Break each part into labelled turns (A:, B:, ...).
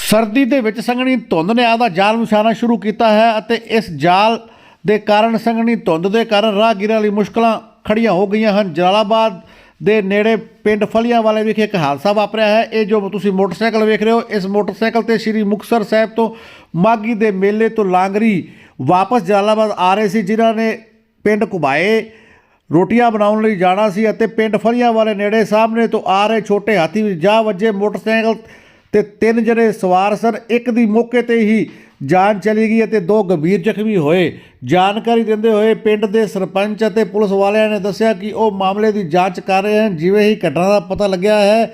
A: ਸਰਦੀ ਦੇ ਵਿੱਚ ਸੰਘਣੀ ਧੁੰਦ ਨੇ ਆਪਦਾ ਜਾਲ ਵਿਛਾਉਣਾ ਸ਼ੁਰੂ ਕੀਤਾ ਹੈ ਅਤੇ ਇਸ ਜਾਲ ਦੇ ਕਾਰਨ ਸੰਘਣੀ ਧੁੰਦ ਦੇ ਕਾਰਨ ਰਾਹਗੀਰਾਂ ਲਈ ਮੁਸ਼ਕਲਾਂ ਖੜੀਆਂ ਹੋ ਗਈਆਂ ਹਨ। ਜਲਾਲਾਬਾਦ ਦੇ ਨੇੜੇ ਪਿੰਡ ਫਲੀਆਂ ਵਾਲੇ ਵਿਖੇ ਇੱਕ ਹਾਦਸਾ ਵਾਪਰਿਆ ਹੈ। ਇਹ ਜੋ ਤੁਸੀਂ ਮੋਟਰਸਾਈਕਲ ਵੇਖ ਰਹੇ ਹੋ, ਇਸ ਮੋਟਰਸਾਈਕਲ ਤੇ ਸ੍ਰੀ ਮੁਕਤਸਰ ਸਾਹਿਬ ਤੋਂ ਮਾਘੀ ਦੇ ਮੇਲੇ ਤੋਂ ਲਾਂਗਰੀ ਵਾਪਸ ਜਲਾਲਾਬਾਦ ਆ ਰਹੇ ਸੀ, ਜਿਨ੍ਹਾਂ ਨੇ ਪਿੰਡ ਘੁਬਾਏ ਰੋਟੀਆਂ ਬਣਾਉਣ ਲਈ ਜਾਣਾ ਸੀ ਅਤੇ ਪਿੰਡ ਫਲੀਆਂ ਵਾਲੇ ਨੇੜੇ ਸਾਹਮਣੇ ਤੋਂ ਆ ਰਹੇ ਛੋਟੇ ਹਾਥੀ ਵਿੱਚ ਜਾ ਵੱਜੇ। ਮੋਟਰਸਾਈਕਲ ਤੇ 3 ਜਣੇ ਸਵਾਰ ਸਨ। ਇੱਕ ਦੀ ਮੌਕੇ ਤੇ ਹੀ ਜਾਨ ਚਲੀ ਗਈ ਅਤੇ 2 ਗੰਭੀਰ ਜ਼ਖਮੀ ਹੋਏ। ਜਾਣਕਾਰੀ ਦਿੰਦੇ ਹੋਏ ਪਿੰਡ ਦੇ ਸਰਪੰਚ ਅਤੇ ਪੁਲਿਸ ਵਾਲਿਆਂ ਨੇ ਦੱਸਿਆ ਕਿ ਉਹ ਮਾਮਲੇ ਦੀ ਜਾਂਚ ਕਰ ਰਹੇ ਹਨ। ਜਿਵੇਂ ਹੀ ਘਟਨਾ ਦਾ ਪਤਾ ਲੱਗਿਆ ਹੈ,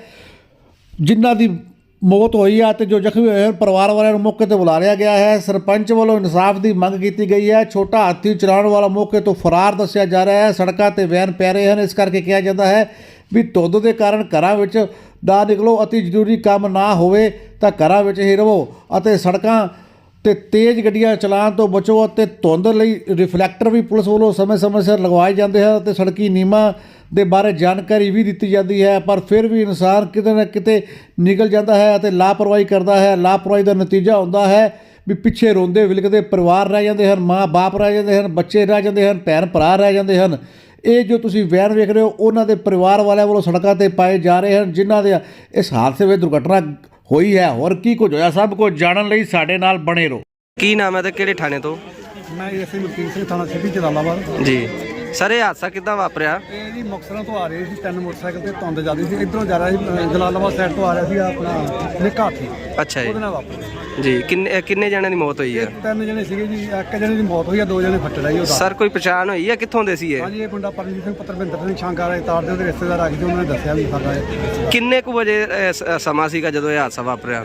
A: ਜਿਨ੍ਹਾਂ ਦੀ ਮੌਤ ਹੋਈ ਹੈ ਅਤੇ ਜੋ ਜ਼ਖਮੀ ਹੋਏ ਹਨ, ਪਰਿਵਾਰ ਵਾਲਿਆਂ ਨੂੰ ਮੌਕੇ ਤੇ ਬੁਲਾ ਲਿਆ ਗਿਆ ਹੈ। ਸਰਪੰਚ ਵੱਲੋਂ ਇਨਸਾਫ ਦੀ ਮੰਗ ਕੀਤੀ ਗਈ ਹੈ। ਛੋਟਾ ਹਾਥੀ ਚਲਾਉਣ ਵਾਲਾ ਮੌਕੇ ਤੋਂ ਫਰਾਰ ਦੱਸਿਆ ਜਾ ਰਿਹਾ ਹੈ। ਸੜਕਾਂ ਤੇ ਵੈਨ ਪੈ ਰਹੇ ਹਨ, ਇਸ ਕਰਕੇ ਕਿਹਾ ਜਾਂਦਾ ਹੈ ਵੀ ਧੁੰਦ ਦੇ ਕਾਰਨ ਘਰਾਂ ਵਿੱਚ ਨਾ ਨਿਕਲੋ, ਅਤੀ ਜ਼ਰੂਰੀ ਕੰਮ ਨਾ ਹੋਵੇ ਤਾਂ ਘਰਾਂ ਵਿੱਚ ਹੀ ਰਹੋ ਅਤੇ ਸੜਕਾਂ ਤੇ ਤੇਜ਼ ਗੱਡੀਆਂ ਚਲਾਉਣ ਤੋਂ ਬਚੋ ਅਤੇ ਧੁੰਦ ਲਈ ਰਿਫਲੈਕਟਰ ਵੀ ਪੁਲਿਸ ਵੱਲੋਂ ਸਮੇਂ-ਸਮੇਂ ਸਿਰ ਲਗਵਾਏ ਜਾਂਦੇ ਹਨ ਅਤੇ ਸੜਕੀ ਨਿਯਮਾਂ ਦੇ ਬਾਰੇ ਜਾਣਕਾਰੀ ਵੀ ਦਿੱਤੀ ਜਾਂਦੀ ਹੈ। ਪਰ ਫਿਰ ਵੀ ਇਨਸਾਨ ਕਿਤੇ ਨਾ ਕਿਤੇ ਨਿਕਲ ਜਾਂਦਾ ਹੈ ਅਤੇ ਲਾਪਰਵਾਹੀ ਕਰਦਾ ਹੈ। ਲਾਪਰਵਾਹੀ ਦਾ ਨਤੀਜਾ ਹੁੰਦਾ ਹੈ ਵੀ ਪਿੱਛੇ ਰੋਂਦੇ ਵਿਲਕਦੇ ਪਰਿਵਾਰ ਰਹਿ ਜਾਂਦੇ ਹਨ, ਮਾਂ ਬਾਪ ਰਹਿ ਜਾਂਦੇ ਹਨ, ਬੱਚੇ ਰਹਿ ਜਾਂਦੇ ਹਨ, ਭੈਣ ਭਰਾ ਰਹਿ ਜਾਂਦੇ ਹਨ। ਇਹ ਜੋ ਤੁਸੀਂ ਵੈਨ ਵੇਖ ਰਹੇ ਹੋ, ਉਹਨਾਂ ਦੇ ਪਰਿਵਾਰ ਵਾਲਿਆਂ ਵੱਲੋਂ ਸੜਕਾਂ ਤੇ ਪਾਏ ਜਾ ਰਹੇ ਹਨ, ਜਿਨ੍ਹਾਂ ਦੇ ਇਸ ਹਾਦਸੇ ਵਿੱਚ ਦੁਰਘਟਨਾ ਹੋਈ ਹੈ। ਹੋਰ ਕੀ ਕੁਝ ਹੋਇਆ, ਸਭ ਕੁਝ ਜਾਣਨ ਲਈ ਸਾਡੇ ਨਾਲ ਬਣੇ ਰਹੋ।
B: ਕੀ ਨਾਮ ਹੈ ਤੇ ਕਿਹੜੇ ਥਾਣੇ ਤੋਂ?
C: ਮੈਂ ਐਸਏ ਮਲਕੀਤ ਸਿੰਘ, ਥਾਣਾ ਸਿਟੀ ਜਲਾਲਾਬਾਦ
B: ਜੀ ਸਰ, ਇਹ ਹਾਦਸਾ ਕਿੱਦਾਂ ਵਾਪਰਿਆ?
C: ਇਹ ਜੀ ਮੁਕਤਸਰੋਂ ਤੋਂ ਆ ਰਹੇ ਸੀ 3 ਮੋਟਰਸਾਈਕਲ ਤੇ ਧੁੰਦ ਜਾਂਦੀ ਸੀ। ਇੱਧਰੋਂ ਜਾ ਰਿਹਾ ਸੀ ਜਲਾਲਾਬਾਦ ਸਾਈਡ ਤੋਂ ਆ ਰਿਹਾ ਸੀ ਆਪਣਾ ਨਿੱਕਾ ਹਾਥੀ,
B: ਅੱਛਾ ਜੀ।
C: ਉਹਦੇ ਨਾਲ ਵਾਪਰਿਆ
B: ਜੀ ਕਿੰਨੇ ਜਣਿਆਂ ਦੀ ਮੌਤ ਹੋਈ ਹੈ?
C: 3 ਜਣੇ ਸੀਗੇ ਜੀ। ਇੱਕ ਜਣੇ ਦੀ ਮੌਤ ਹੋਈ ਆ, 2 ਜਣੇ ਫੱਟੜ ਆਈ ਉਹਦਾ।
B: ਸਰ ਕੋਈ ਪਛਾਣ ਹੋਈ ਹੈ ਕਿੱਥੋਂ ਦੇ ਸੀ ਇਹ?
C: ਹਾਂਜੀ, ਇਹ ਮੁੰਡਾ ਪਰਮਜੀਤ ਸਿੰਘ ਪੁੱਤਰ ਭਿੰਦਰ ਸਿੰਘ ਸ਼ਾਂਗਾ ਵਾਲੇ ਤਾਰ ਦੇ ਉਹਦੇ ਰਿਸ਼ਤੇਦਾਰ ਆ ਗਏ, ਉਹਨਾਂ ਨੇ ਦੱਸਿਆ ਵੀ ਸਾਡਾ
B: ਕਿੰਨੇ ਕੁ ਵਜੇ ਸਮਾਂ ਸੀਗਾ ਜਦੋਂ ਇਹ ਹਾਦਸਾ ਵਾਪਰਿਆ?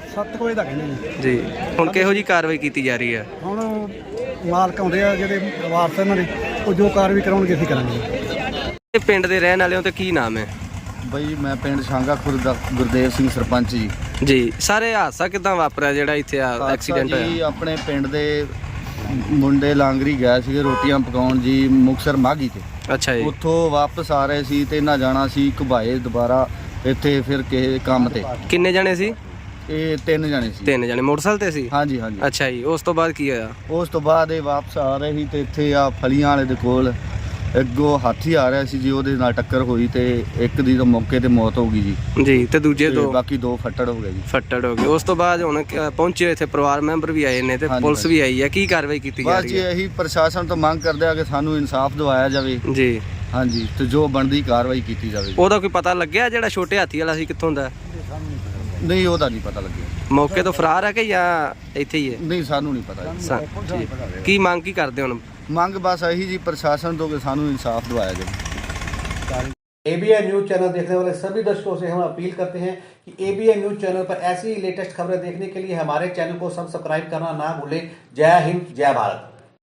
C: 7 ਵਜੇ ਦਾ ਕਹਿੰਦੇ ਜੀ।
B: ਜੀ ਹੁਣ ਕਿਹੋ ਜੀ ਕਾਰਵਾਈ ਕੀਤੀ ਜਾ ਰਹੀ ਹੈ?
C: ਹੁਣ ਮਾਲਕ ਆਉਂਦੇ ਆ ਜਿਹੜੇ ਵਾਰਸ ਇਹਨਾਂ ਦੇ, ਉਹ ਜੋ ਕਾਰਵਾਈ ਕਰਾਉਣਗੇ ਅਸੀਂ ਕਰਾਂਗੇ।
B: ਇਹ ਪਿੰਡ ਦੇ ਰਹਿਣ ਵਾਲਿਆਂ ਤੇ ਕੀ ਨਾਮ ਹੈ?
D: ਬਈ ਮੈਂ ਪਿੰਡ ਸ਼ਾਂਗਾ ਖੁਰਦ ਦਾ ਗੁਰਦੇਵ ਸਿੰਘ ਸਰਪੰਚ ਜੀ।
B: ਜੀ ਸਰ, ਇਹ ਹਾਦਸਾ ਕਿੱਦਾਂ ਵਾਪਰਿਆ ਜਿਹੜਾ ਇੱਥੇ ਐਕਸੀਡੈਂਟ
D: ਜੀ
B: ਹੋਇਆ?
D: ਆਪਣੇ ਪਿੰਡ ਦੇ ਮੁੰਡੇ ਲਾਂਗਰੀ ਗਏ ਸੀਗੇ ਰੋਟੀਆਂ ਪਕਾਉਣ ਜੀ, ਮੁਕਤਸਰ ਮਾਘੀ ਤੇ।
B: ਅੱਛਾ ਜੀ।
D: ਉੱਥੋਂ ਵਾਪਸ ਆ ਰਹੇ ਸੀ ਤੇ ਇਹਨਾਂ ਜਾਣਾ ਸੀ ਘੁਬਾਏ ਦੁਬਾਰਾ ਇੱਥੇ ਫਿਰ ਕਿਸੇ ਕੰਮ ਤੇ।
B: ਕਿੰਨੇ ਜਣੇ ਸੀ?
D: ਇਹ 3 ਜਣੇ ਸੀ।
B: 3 ਜਣੇ ਮੋਟਰਸਾਈਕਲ ਤੇ ਸੀ?
D: ਹਾਂਜੀ ਹਾਂਜੀ।
B: ਅੱਛਾ ਜੀ, ਉਸ ਤੋਂ ਬਾਅਦ ਕੀ ਹੋਇਆ?
D: ਉਸ ਤੋਂ ਬਾਅਦ ਇਹ ਵਾਪਸ ਆ ਰਹੇ ਸੀ ਤੇ ਇੱਥੇ ਆ ਫਲੀਆਂ ਵਾਲੇ ਦੇ ਕੋਲ ਅੱਗੋਂ ਹਾਥੀ ਆ ਰਿਹਾ ਸੀ ਜੀ, ਉਹਦੇ ਨਾਲ ਟੱਕਰ ਹੋਈ ਤੇ ਇੱਕ ਦੀ ਤਾਂ ਮੌਕੇ ਤੇ ਮੌਤ ਹੋ ਗਈ ਜੀ।
B: ਜੀ ਤੇ ਦੂਜੇ
D: ਤੇ
B: 2
D: ਬਾਕੀ 2 ਫੱਟੜ ਹੋ ਗਏ ਜੀ।
B: ਫੱਟੜ ਹੋ ਗਏ। ਉਸ ਤੋਂ ਬਾਅਦ ਹੁਣ ਪਹੁੰਚੇ ਇੱਥੇ ਪਰਿਵਾਰ ਮੈਂਬਰ ਵੀ ਆਏ ਨੇ ਤੇ
D: ਹਾਂਜੀ,
B: ਪੁਲਿਸ ਵੀ ਆਈ ਹੈ। ਕੀ ਕਾਰਵਾਈ ਕੀਤੀ ਜਾ
D: ਬਸ
B: ਰਹੀ
D: ਜੀ
B: ਹੈ?
D: ਇਹੀ ਪ੍ਰਸ਼ਾਸਨ ਤੋਂ ਮੰਗ ਕਰਦੇ ਆ ਕਿ ਸਾਨੂੰ ਇਨਸਾਫ ਦਿਵਾਇਆ ਜਾਵੇ।
B: ਜੀ
D: ਹਾਂਜੀ, ਤੇ ਜੋ ਬਣਦੀ ਕਾਰਵਾਈ ਕੀਤੀ ਜਾਵੇ।
B: ਉਹਦਾ ਕੋਈ ਪਤਾ ਲੱਗਿਆ ਜਿਹੜਾ ਛੋਟੇ ਹਾਥੀ ਵਾਲਾ ਸੀ ਕਿੱਥੋਂ ਦਾ?
D: ਨਹੀਂ, ਉਹਦਾ ਨਹੀਂ ਪਤਾ ਲੱਗਿਆ।
B: ਮੌਕੇ ਤੋਂ ਫਰਾਰ ਹੈ ਕਿ ਜਾਂ ਇੱਥੇ ਹੀ ਹੈ?
D: ਨਹੀਂ, ਸਾਨੂੰ ਨਹੀਂ ਪਤਾ ਜੀ।
B: ਕੀ ਮੰਗ ਕੀ ਕਰਦੇ ਹੁਣ?
D: ਮੰਗ बस यही जी प्रशासन तो कि सानू इंसाफ दिवाया जाए।
A: ABN न्यूज़ चैनल देखने वाले सभी दर्शकों से हम अपील करते हैं कि ABN न्यूज़ चैनल पर ऐसी ही लेटेस्ट खबरें देखने के लिए हमारे चैनल को सब्सक्राइब करना ना भूलें। जय हिंद, जय भारत।